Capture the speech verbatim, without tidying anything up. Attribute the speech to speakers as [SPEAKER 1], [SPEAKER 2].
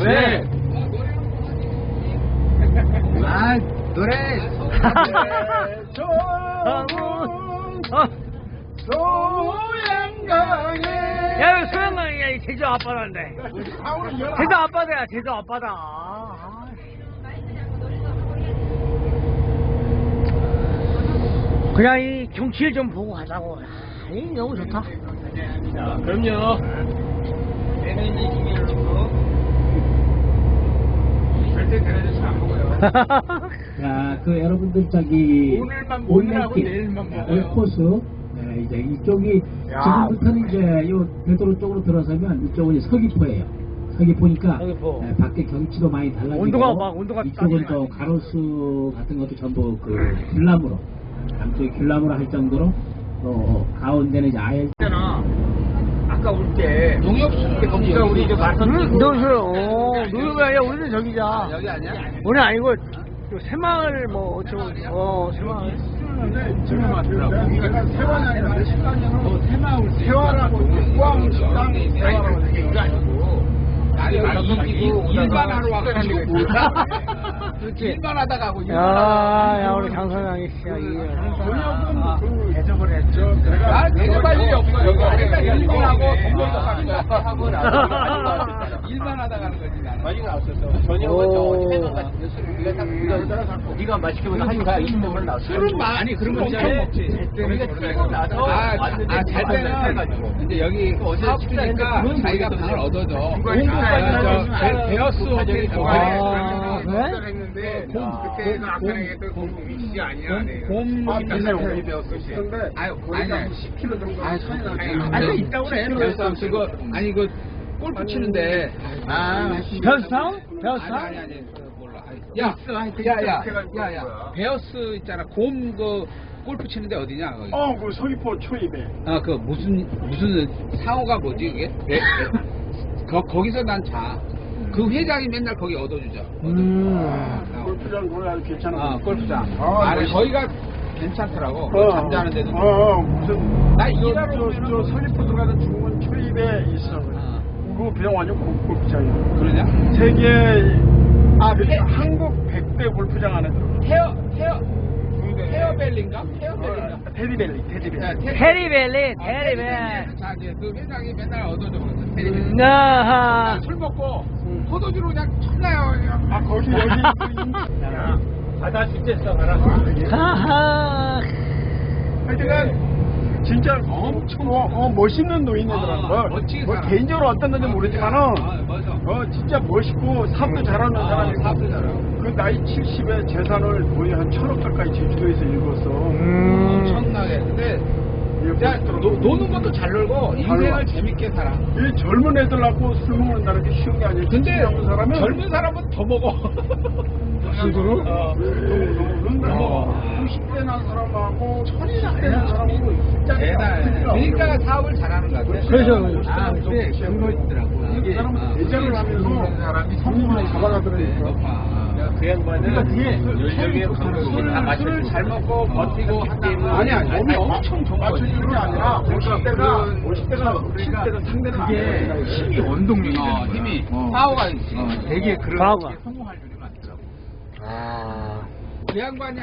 [SPEAKER 1] 왜? 아, 노래. 소양강에.
[SPEAKER 2] 야, 왜 소양강이야? 이 제주 앞바다인데. 제주 앞바다야, 제주 앞바다. 아, 그냥 이 경치를 좀 보고 가자고. 아, 이 너무 좋다.
[SPEAKER 1] 자, 그럼요. 얘는 이 기계를 놓고 절대 그래도 잘 안 먹어요.
[SPEAKER 3] 자, 그 여러분들 저기
[SPEAKER 1] 오늘만 오늘하고 내일만 먹어요.
[SPEAKER 3] 코스 네, 이제 이쪽이 지금부터는 이제 요 대도로 쪽으로 들어서면 이쪽은 이제 서귀포예요. 서귀포니까
[SPEAKER 2] 서귀포.
[SPEAKER 3] 네, 밖에 경치도 많이 달라지고
[SPEAKER 2] 온도가 막 온도가
[SPEAKER 3] 이쪽은 또 가로수 같은 것도 전부 그 귤나무로 남쪽이 귤나무로 할 정도로 또 가운데는 이제 아예
[SPEAKER 1] 아까 올 때 농협수 때 거기가 우리 이제 마선
[SPEAKER 2] 응, 농협. 어, 농협이 아니야. 우리는 저기자.
[SPEAKER 1] 여기 아니야?
[SPEAKER 2] 우리 아니고 저 새마을 뭐 어쩌고 어 새마을.
[SPEAKER 1] 지금 맞더라고. 여기가 세환이 아니라 식당이고 새마을 세환하고 포항 식당이 세환하고 이게 아니고 아니 이기고 일반하러 와가지고 뭐야? 일반하다가 하고
[SPEAKER 2] 야, 야 우리 장선영이 씨야 이게.
[SPEAKER 1] 대접을 했죠. 나 대접할 일이 없어. 여기 내가 일반하고 동료하고 일반하다가 하는 거지 나는. 많이 나왔었어. 저녁은 저 어디 해놓은 같은데 술을 우리가 딱 우리가 네가 맛있게 먹는 하니까 이십 명을 나왔어. 술은 많이 그런 거 엄청 먹지. 우리가 칠번 나서 아잘 때는 이제 여기 어제 식사니까 자기가 방을 얻어줘. 베어스 호텔이
[SPEAKER 2] 아, 그래?
[SPEAKER 1] 했는데 그때가 아까 얘기했던 곰 위시 아니야. 곰 맨날 오기 배웠어. 아유 아니 십 킬로그램 정도. 아유 아니 있다고 그래. 배우싸움 쓰고 아니 그 골프 치는데 아
[SPEAKER 2] 배우싸움? 배우싸움?
[SPEAKER 1] 아니 아니 몰라. 야야야야야 베어스 있잖아. 곰 그 골프 치는데 어디냐 거기?
[SPEAKER 4] 어, 그 서귀포 초입에.
[SPEAKER 1] 아 그 무슨 무슨 상호가 뭐지 그게? 배, 배. 거 거기서 난 자. 그 회장이 맨날 거기 얻어주죠.
[SPEAKER 2] 음.
[SPEAKER 4] 골프장 거기 아주 괜찮아.
[SPEAKER 1] 아 골프장.
[SPEAKER 4] 아,
[SPEAKER 1] 아니
[SPEAKER 4] 멋있어.
[SPEAKER 1] 거기가 괜찮더라고.
[SPEAKER 4] 어,
[SPEAKER 1] 잠자는 데도.
[SPEAKER 4] 어, 어, 무슨.
[SPEAKER 1] 나
[SPEAKER 4] 저,
[SPEAKER 1] 일하러
[SPEAKER 4] 저,
[SPEAKER 1] 오면은
[SPEAKER 4] 저 서귀포 들어가는 중문 초입에 있어.
[SPEAKER 1] 아.
[SPEAKER 4] 그 그냥 완전 골- 골프장이야.
[SPEAKER 1] 그러냐?
[SPEAKER 4] 세계,
[SPEAKER 1] 아,
[SPEAKER 4] 그
[SPEAKER 1] 해-
[SPEAKER 4] 한국 백 대 골프장 안에 들어.
[SPEAKER 1] 헤어 헤어 헤어벨린가? 헤어벨린가?
[SPEAKER 4] 테디벨리, 테디벨리.
[SPEAKER 2] 테리벨리, 테리벨.
[SPEAKER 1] 자 이제 그 회장이 맨날 얻어줘. 테리벨리.
[SPEAKER 2] 나하.
[SPEAKER 1] 술 먹고 포도주로 그냥 쳐나요 그냥.
[SPEAKER 4] 아, 거기, 여기.
[SPEAKER 1] 바다 실제서 가라.
[SPEAKER 2] 하하.
[SPEAKER 4] 하여튼간, 진짜 엄청, 어, 어, 멋있는 노인네더라는
[SPEAKER 1] 아,
[SPEAKER 4] 걸.
[SPEAKER 1] 멋지게
[SPEAKER 4] 뭐
[SPEAKER 1] 살아.
[SPEAKER 4] 개인적으로 어떤 건지 모르지만은,
[SPEAKER 1] 아, 맞아.
[SPEAKER 4] 어, 진짜 멋있고, 사업도 잘하는
[SPEAKER 1] 아,
[SPEAKER 4] 사람이고.
[SPEAKER 1] 사업도 잘하고.
[SPEAKER 4] 그 나이 칠십에 재산을 거의 한 천억 가까이 제주도에서 읽었어.
[SPEAKER 2] 음.
[SPEAKER 1] 엄청나게. 근데
[SPEAKER 4] 이게
[SPEAKER 1] 진짜
[SPEAKER 4] 멋있더라고.
[SPEAKER 1] 노, 노는 것도 잘 놀고 인생을
[SPEAKER 4] 놀아.
[SPEAKER 1] 재밌게 살아.
[SPEAKER 4] 이 젊은 애들하고 술 먹는다는 게 쉬운 게 아니야.
[SPEAKER 1] 근데
[SPEAKER 4] 젊은 사람은
[SPEAKER 1] 젊은 사람은 더 먹어.
[SPEAKER 4] 술으로?
[SPEAKER 1] 어.
[SPEAKER 4] 어.
[SPEAKER 1] 어.
[SPEAKER 4] 구십 대 난 사람하고
[SPEAKER 1] 천이
[SPEAKER 4] 칠십 대 난 사람하고
[SPEAKER 1] 대단. 그러니까 사업을 잘하는 것 같아.
[SPEAKER 2] 그렇죠.
[SPEAKER 1] 아, 근데 그거 있더라고.
[SPEAKER 4] 이 사람은 대장을 하면서
[SPEAKER 1] 사람이
[SPEAKER 4] 성공을 잡아가더라니까.
[SPEAKER 1] 높아.
[SPEAKER 4] 그 양반은
[SPEAKER 1] 술을 술을 잘 먹고 버티고 한다면
[SPEAKER 4] 아니 아니 몸이 엄청 좋아. 맞춰주는 게 아니라 오십 대가 오십 대가 칠십 대가 상대는 안 돼.
[SPEAKER 1] 힘이 원동력이 어, 힘이 파워가 있지. 되게 그런
[SPEAKER 2] 파워가.
[SPEAKER 1] 게 성공할 줄이 많더라고.
[SPEAKER 2] 아.
[SPEAKER 1] 그 양반이